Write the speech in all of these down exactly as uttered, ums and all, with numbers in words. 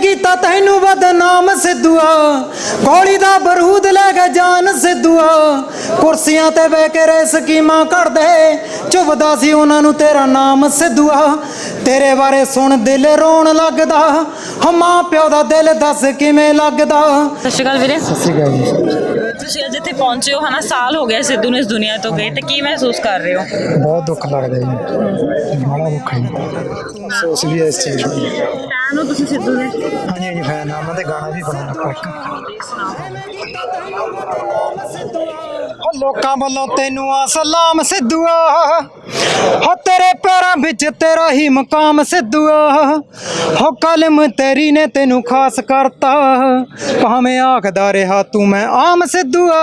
ਕੀਤਾ ਤੈਨੂੰ ਬਦਨਾਮ ਸਿੱਧੂਆ, ਗੋਲੀ ਦਾ ਬਰੂਦ ਲੈ ਕੇ ਜਾਨ ਸਿੱਧੂਆ। ਕੁਰਸੀਆਂ ਤੇ ਬਹਿ ਕੇ ਰੇ ਸਕੀਮਾਂ ਘੜਦੇ, ਚੁੱਭਦਾ ਸੀ ਉਹਨਾਂ ਨੂੰ ਤੇਰਾ ਨਾਮ ਸਿੱਧੂਆ। ਤੇਰੇ ਬਾਰੇ ਸੁਣ ਦਿਲ ਰੋਣ ਲੱਗਦਾ, ਹੋ ਮਾਂ ਪਿਓ ਦਾ ਦਿਲ ਦੱਸ ਕਿਵੇਂ ਲੱਗਦਾ। ਸਤਿ ਸ਼੍ਰੀ ਅਕਾਲ ਵੀਰੇ। ਸਤਿ ਸ਼੍ਰੀ ਅਕਾਲ ਜੀ। ਤੁਸੀਂ ਅੱਜ ਇੱਥੇ ਪਹੁੰਚੇ ਹੋ ਹਨਾ, ਸਾਲ ਹੋ ਗਿਆ ਸਿੱਧੂ ਨੂੰ ਇਸ ਦੁਨੀਆ ਤੋਂ ਗਏ, ਤੇ ਕੀ ਮਹਿਸੂਸ ਕਰ ਰਹੇ ਹੋ? ਬਹੁਤ ਦੁੱਖ ਲੱਗਦਾ ਜੀ, ਬੜਾ ਦੁੱਖ ਹੈ ਜੀ। ਅਫਸੋਸ ਵੀ ਹੈ ਇਸ ਚੀਜ਼ ਦਾ। ਫੈਨ ਹੋ ਤੁਸੀਂ ਸਿੱਧੂ ਦੇ? ਹਾਂਜੀ ਹਾਂਜੀ ਫੈਨ ਆ, ਉਹਨਾਂ ਦੇ ਗਾਣਾ ਵੀ ਬਣਾ ਰੱਖਾ। ਲੋਕਾਂ ਵੱਲੋਂ ਤੈਨੂੰ ਆ ਸਲਾਮ ਸਿੱਧੂਆ, ਹੋ ਤੇਰੇ ਪੈਰਾਂ ਵਿੱਚ ਤੇਰਾ ਹੀ ਮਕਾਮ ਸਿੱਧੂਆ। ਹੋ ਕਲਮ ਤੇਰੀ ਨੇ ਤੈਨੂੰ ਖਾਸ ਕਰਤਾ, ਭਾਵੇਂ ਆਖਦਾ ਰਿਹਾ ਤੂੰ ਮੈਂ ਆਮ ਸਿੱਧੂਆ।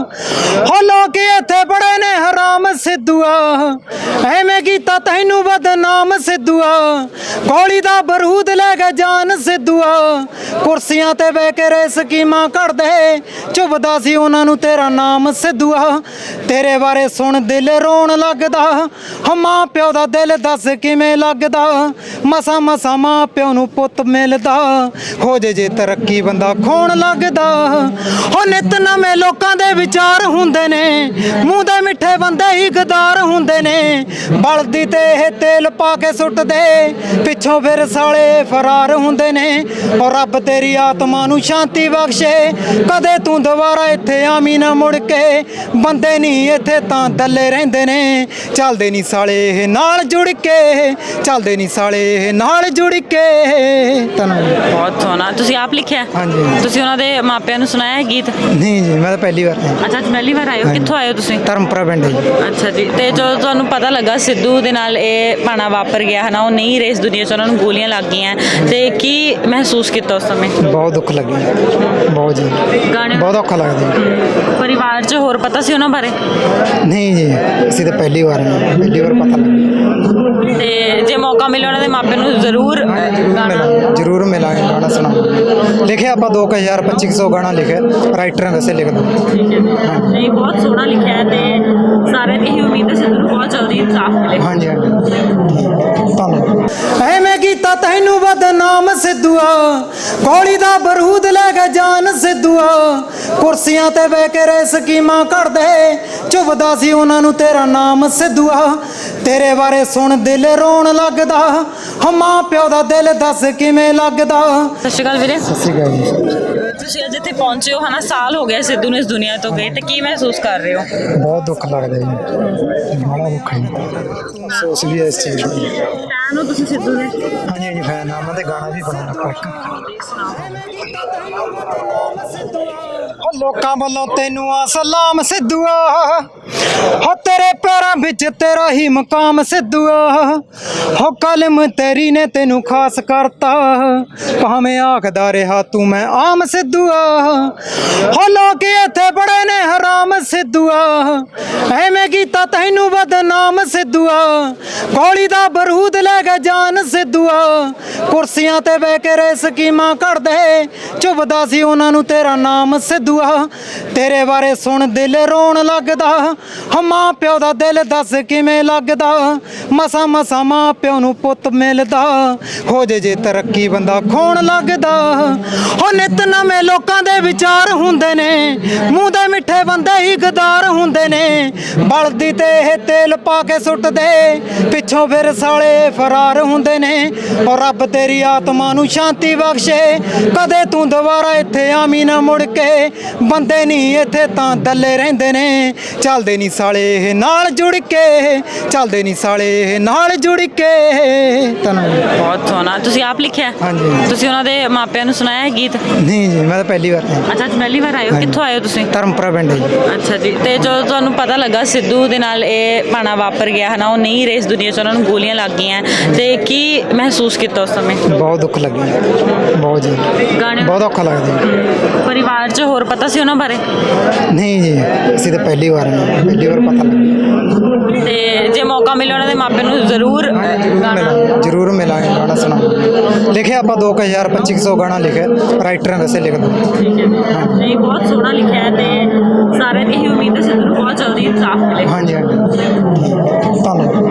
ਹੋ ਲੋਕ ਇੱਥੇ ਬੜੇ ਨੇ ਹਰਾਮ ਸਿੱਧੂਆ, ਐਵੇਂ ਕੀਤਾ ਤੈਨੂੰ ਬਦਨਾਮ ਸਿੱਧੂਆ। ਗੋਲੀ ਦਾ ਬਰੂਦ ਲੈ ਕੇ ਜਾਨ ਸਿੱਧੂਆ। ਕੁਰਸੀਆਂ ਤੇ ਬਹਿ ਕੇ ਰੇ ਸਕੀਮਾਂ ਘੜਦੇ, ਚੁੱਭਦਾ ਸੀ ਉਹਨਾਂ ਨੂੰ ਤੇਰਾ ਨਾਮ ਸਿੱਧੂਆ। ਤੇਰੇ ਬਾਰੇ ਸੁਣ ਦਿਲ ਰੋਣ ਲੱਗਦਾ, ਹੋ ਮਾਂ ਪਿਓ ਦਾ ਦਿਲ ਦੱਸ ਕਿਵੇਂ ਲੱਗਦਾ। ਮਸਾਂ ਮਸਾਂ ਮਾਂ ਪਿਓ ਨੂੰ ਪੁੱਤ ਮਿਲਦਾ, ਹੋ ਜੇ ਜੇ ਤਰੱਕੀ ਬੰਦਾ ਖੋਣ ਲੱਗਦਾ। ਹੋ ਨਿਤ ਨਵੇਂ ਲੋਕਾਂ ਦੇ ਵਿਚਾਰ ਹੁੰਦੇ ਨੇ, ਮੂੰਹ ਦੇ ਮਿੱਠੇ ਬੰਦੇ ਹੀ ਗਦਾਰ ਹੁੰਦੇ ਨੇ। ਬਲਦੀ ਤੇ ਇਹ ਤੇਲ ਪਾ ਕੇ ਸੁੱਟਦੇ, ਪਿੱਛੋਂ ਫਿਰ ਸਾਲੇ ਫਰਾਰ ਹੁੰਦੇ ਨੇ। ਔਰ ਰੱਬ ਤੇਰੀ ਆਤਮਾ ਨੂੰ ਸ਼ਾਂਤੀ ਬਖਸ਼ੇ, ਕਦੇ ਤੂੰ ਦੁਬਾਰਾ ਇੱਥੇ ਆਵੀਂ ਨਾ ਮੁੜ ਕੇ। ਬੰਦੇ ਨਹੀਂ ਇੱਥੇ ਤਾਂ ਦੱਲੇ ਰਹਿੰਦੇ ਨੇ, ਚੱਲਦੇ ਨਹੀਂ ਸਾਲੇ ਇਹ ਨਾਲ ਜੁੜ ਕੇ, ਚੱਲਦੇ ਨਹੀਂ ਸਾਲੇ ਇਹ ਨਾਲ ਜੁੜ ਕੇ। ਧੰਨਵਾਦ। ਬਹੁਤ ਸੋਹਣਾ। ਤੁਸੀਂ ਆਪ ਲਿਖਿਆ? ਹਾਂਜੀ। ਤੁਸੀਂ ਉਹਨਾਂ ਦੇ ਮਾਪਿਆਂ ਨੂੰ ਸੁਣਾਇਆ ਹੈ ਗੀਤ? ਨਹੀਂ ਜੀ, ਮੈਂ ਤਾਂ ਪਹਿਲੀ ਵਾਰ ਆਇਆ। ਅੱਛਾ, ਅੱਜ ਪਹਿਲੀ ਵਾਰ ਆਏ ਹੋ? ਕਿੱਥੋਂ ਆਏ ਹੋ ਤੁਸੀਂ? ਧਰਮਪੁਰਾ ਪਿੰਡ ਹੈ ਜੀ। ਅੱਛਾ ਜੀ। ਤੇ ਜਦੋਂ ਤੁਹਾਨੂੰ ਪਤਾ ਲੱਗਾ ਸਿੱਧੂ ਦੇ ਨਾਲ ਇਹ ਭਾਣਾ ਵਾਪਰ ਗਿਆ ਹੈ ਨਾ, ਉਹ ਨਹੀਂ ਰਹੇ ਇਸ ਦੁਨੀਆ 'ਚ, ਉਹਨਾਂ ਨੂੰ ਗੋਲੀਆਂ ਲੱਗ ਗਈਆਂ, ਤੇ ਕੀ ਮਹਿਸੂਸ ਕੀਤਾ ਉਸ ਸਮੇਂ? ਬਹੁਤ ਦੁੱਖ ਲੱਗਿਆ, ਬਹੁਤ ਜੀ, ਗਾਣੇ ਬਹੁਤ ਔਖਾ ਲੱਗਦਾ ਜੀ। ਪਰਿਵਾਰ 'ਚ ਹੋਰ ਪਤਾ ਸੀ ਉਹਨਾਂ ਬਾਰੇ? ਨਹੀਂ ਜੀ, ਅਸੀਂ ਤਾਂ ਪਹਿਲੀ ਵਾਰ ਆਏ, ਪਹਿਲੀ ਵਾਰ ਪਤਾ ਲੱਗਿਆ। ਤੇ ਜੇ ਮੌਕਾ ਮਿਲੇ ਉਹਨਾਂ ਦੇ ਮਾਪਿਆਂ ਨੂੰ ਜ਼ਰੂਰ ਗਾਣਾ? ਜ਼ਰੂਰ ਮਿਲਾਂਗੇ, ਗਾਣਾ ਸੁਣਾਵਾਂਗੇ। ਲਿਖਿਆ ਆਪਾਂ ਦੋ ਕੁ ਹਜ਼ਾਰ ਪੱਚੀ ਸੌ ਗਾਣਾ ਲਿਖਿਆ, ਰਾਈਟਰ ਹਾਂ ਵੈਸੇ ਲਿਖਦਾ। ਨਹੀਂ, ਬਹੁਤ ਸੋਹਣਾ ਲਿਖਿਆ ਹੈ, ਤੇ ਸਾਰਿਆਂ ਦੀ ਇਹੀ ਉਮੀਦ ਹੈ ਸਿੱਧੂ ਨੂੰ ਬਹੁਤ ਜਲਦੀ ਇਨਸਾਫ ਮਿਲੇ। ਹਾਂਜੀ ਹਾਂਜੀ, ਧੰਨਵਾਦ। ਐਵੇਂ ਕੀਤਾ ਤੈਨੂੰ ਬਦਨਾਮ ਸਿੱਧੂਆ, ਗੋਲੀ ਦਾ ਬਰੂਦ ਲੈ ਕੇ ਜਾਨ ਸਿੱਧੂਆ। ਕੁਰਸੀਆਂ ਤੇ ਬਹਿ ਕੇ ਰੇ ਸਕੀਮਾਂ ਘੜਦੇ, ਚੁੱਭਦਾ ਸੀ ਉਹਨਾਂ ਨੂੰ ਤੇਰਾ ਨਾਮ ਸਿੱਧੂਆ। ਤੇਰੇ ਬਾਰੇ ਸੁਣ ਦਿਲ ਰੋਣ ਲੱਗਦਾ, ਹੋ ਮਾਂ ਪਿਓ ਦਾ ਦਿਲ ਦੱਸ ਕਿਵੇਂ ਲੱਗਦਾ। ਸਤਿ ਸ਼੍ਰੀ ਅਕਾਲ ਵੀਰੇ। ਸਤਿ ਸ਼੍ਰੀ ਅਕਾਲ ਜੀ। ਤੁਸੀਂ ਅੱਜ ਇੱਥੇ ਪਹੁੰਚੇ ਹੋ ਹਨਾ, ਸਾਲ ਹੋ ਗਿਆ ਸਿੱਧੂ ਨੂੰ ਇਸ ਦੁਨੀਆ ਤੋਂ ਗਏ, ਤੇ ਕੀ ਮਹਿਸੂਸ ਕਰ ਰਹੇ ਹੋ? ਬਹੁਤ ਦੁੱਖ ਲੱਗਦਾ ਜੀ, ਬੜਾ ਦੁੱਖ ਹੈ ਜੀ। ਅਫਸੋਸ ਵੀ ਹੈ ਇਸ ਚੀਜ਼ ਦਾ। ਫੈਨ ਹੋ ਤੁਸੀਂ ਸਿੱਧੂ ਦੇ? ਹਾਂਜੀ ਹਾਂਜੀ ਫੈਨ ਆ, ਉਹਨਾਂ ਦੇ ਗਾਣਾ ਵੀ ਬਣਾ ਰੱਖਾ। ਲੋਕਾਂ ਵੱਲੋਂ ਤੈਨੂੰ ਆ ਸਲਾਮ ਸਿੱਧੂਆ, ਹੋ ਤੇਰੇ ਪੈਰਾਂ ਵਿੱਚ ਤੇਰਾ ਹੀ ਮਕਾਮ ਸਿੱਧੂਆ। ਹੋ ਕਲਮ ਤੇਰੀ ਨੇ ਤੈਨੂੰ ਖਾਸ ਕਰਤਾ, ਭਾਵੇਂ ਆਖਦਾ ਰਿਹਾ ਤੂੰ ਮੈਂ ਆਮ ਸਿੱਧੂਆ। ਹੋ ਲੋਕ ਇੱਥੇ ਬੜੇ ਨੇ ਹਰਾਮ ਸਿੱਧੂਆ, ਐਵੇਂ ਕੀਤਾ ਤੈਨੂੰ ਬਦਨਾਮ ਸਿੱਧੂਆ। ਗੋਲੀ ਦਾ ਬਰੂਦ ਲੈ ਕੇ ਜਾਨ ਸਿੱਧੂਆ। ਕੁਰਸੀਆਂ ਤੇ ਬਹਿ ਕੇ ਰੇ ਸਕੀਮਾਂ ਘੜਦੇ, ਚੁੱਭਦਾ ਸੀ ਉਹਨਾਂ ਨੂੰ ਤੇਰਾ ਨਾਮ ਸਿੱਧੂਆ। ਤੇਰੇ ਬਾਰੇ ਸੁਣ ਦਿਲ ਰੋਣ ਲੱਗਦਾ, ਹੋ ਮਾਂ ਪਿਓ ਦਾ ਦਿਲ ਦੱਸ ਕਿਵੇਂ ਲੱਗਦਾ। ਮਸਾਂ ਮਸਾਂ ਮਾਂ ਪਿਓ ਨੂੰ ਪੁੱਤ ਮਿਲਦਾ, ਹੋ ਜੇ ਜੇ ਤਰੱਕੀ ਬੰਦਾ ਖੋਣ ਲੱਗਦਾ। ਹੋ ਨਿਤ ਨਵੇਂ ਲੋਕਾਂ ਦੇ ਵਿਚਾਰ ਹੁੰਦੇ ਨੇ, ਮੂੰਹ ਦੇ ਮਿੱਠੇ ਬੰਦੇ ਹੀ ਗਦਾਰ ਹੁੰਦੇ ਨੇ। ਬਲਦੀ ਤੇ ਇਹ ਤੇਲ ਪਾ ਕੇ ਸੁੱਟਦੇ, ਪਿੱਛੋਂ ਫਿਰ ਸਾਲੇ ਫਰਾਰ ਹੁੰਦੇ ਨੇ। ਔਰ ਰੱਬ ਤੇਰੀ ਆਤਮਾ ਨੂੰ ਸ਼ਾਂਤੀ ਬਖਸ਼ੇ, ਕਦੇ ਤੂੰ ਦੁਬਾਰਾ ਇੱਥੇ ਆਵੀਂ ਨਾ ਮੁੜ ਕੇ। ਬੰਦੇ ਨਹੀਂ ਇੱਥੇ ਤਾਂ ਦੱਲੇ ਰਹਿੰਦੇ ਨੇ, ਚੱਲਦੇ ਨਹੀਂ ਸਾਲੇ ਇਹ ਨਾਲ ਜੁੜ ਕੇ, ਚੱਲਦੇ ਨਹੀਂ ਸਾਲੇ ਇਹ ਨਾਲ ਜੁੜ ਕੇ। ਧੰਨਵਾਦ। ਬਹੁਤ ਸੋਹਣਾ। ਤੁਸੀਂ ਆਪ ਲਿਖਿਆ? ਹਾਂਜੀ। ਤੁਸੀਂ ਉਹਨਾਂ ਦੇ ਮਾਪਿਆਂ ਨੂੰ ਸੁਣਾਇਆ ਹੈ ਗੀਤ? ਨਹੀਂ ਜੀ, ਮੈਂ ਤਾਂ ਪਹਿਲੀ ਵਾਰ ਆਇਆ। ਅੱਛਾ, ਅੱਜ ਪਹਿਲੀ ਵਾਰ ਆਏ ਹੋ? ਕਿੱਥੋਂ ਆਏ ਹੋ ਤੁਸੀਂ? ਧਰਮਪੁਰਾ ਪਿੰਡ ਹੈ ਜੀ। ਅੱਛਾ ਜੀ। ਤੇ ਜਦੋਂ ਤੁਹਾਨੂੰ ਪਤਾ ਲੱਗਾ ਸਿੱਧੂ ਦੇ ਨਾਲ ਇਹ ਭਾਣਾ ਵਾਪਰ ਗਿਆ ਹੈ ਨਾ, ਉਹ ਨਹੀਂ ਰਹੇ ਇਸ ਦੁਨੀਆ 'ਚ, ਉਹਨਾਂ ਨੂੰ ਗੋਲੀਆਂ ਲੱਗ ਗਈਆਂ, ਤੇ ਕੀ ਮਹਿਸੂਸ ਕੀਤਾ ਉਸ ਸਮੇਂ? ਬਹੁਤ ਦੁੱਖ ਲੱਗਿਆ, ਬਹੁਤ ਜੀ, ਗਾਣੇ? ਬਹੁਤ ਔਖਾ ਲੱਗਦਾ ਜੀ। ਪਰਿਵਾਰ 'ਚ ਹੋਰ ਪਤਾ ਸੀ ਉਹਨਾਂ ਬਾਰੇ? ਨਹੀਂ ਜੀ, ਅਸੀਂ ਤਾਂ ਪਹਿਲੀ ਵਾਰ ਆਏ, ਪਹਿਲੀ ਵਾਰ ਪਤਾ ਲੱਗਿਆ। ਤੇ ਜੇ ਮੌਕਾ ਮਿਲੇ ਉਹਨਾਂ ਦੇ ਮਾਪਿਆਂ ਨੂੰ ਜ਼ਰੂਰ ਗਾਣਾ? ਜ਼ਰੂਰ ਮਿਲਾਂਗੇ, ਗਾਣਾ ਸੁਣਾਵਾਂਗੇ। ਲਿਖਿਆ ਆਪਾਂ ਦੋ ਕੁ ਹਜ਼ਾਰ ਪੱਚੀ ਸੌ ਗਾਣਾ ਲਿਖਿਆ, ਰਾਈਟਰ ਹਾਂ ਵੈਸੇ ਲਿਖਦਾ। ਨਹੀਂ, ਬਹੁਤ ਸੋਹਣਾ ਲਿਖਿਆ ਹੈ, ਤੇ ਸਾਰਿਆਂ ਦੀ ਇਹੀ ਉਮੀਦ ਹੈ ਸਿੱਧੂ ਨੂੰ ਬਹੁਤ ਜਲਦੀ ਇਨਸਾਫ ਮਿਲੇ। ਹਾਂਜੀ ਹਾਂਜੀ, ਧੰਨਵਾਦ।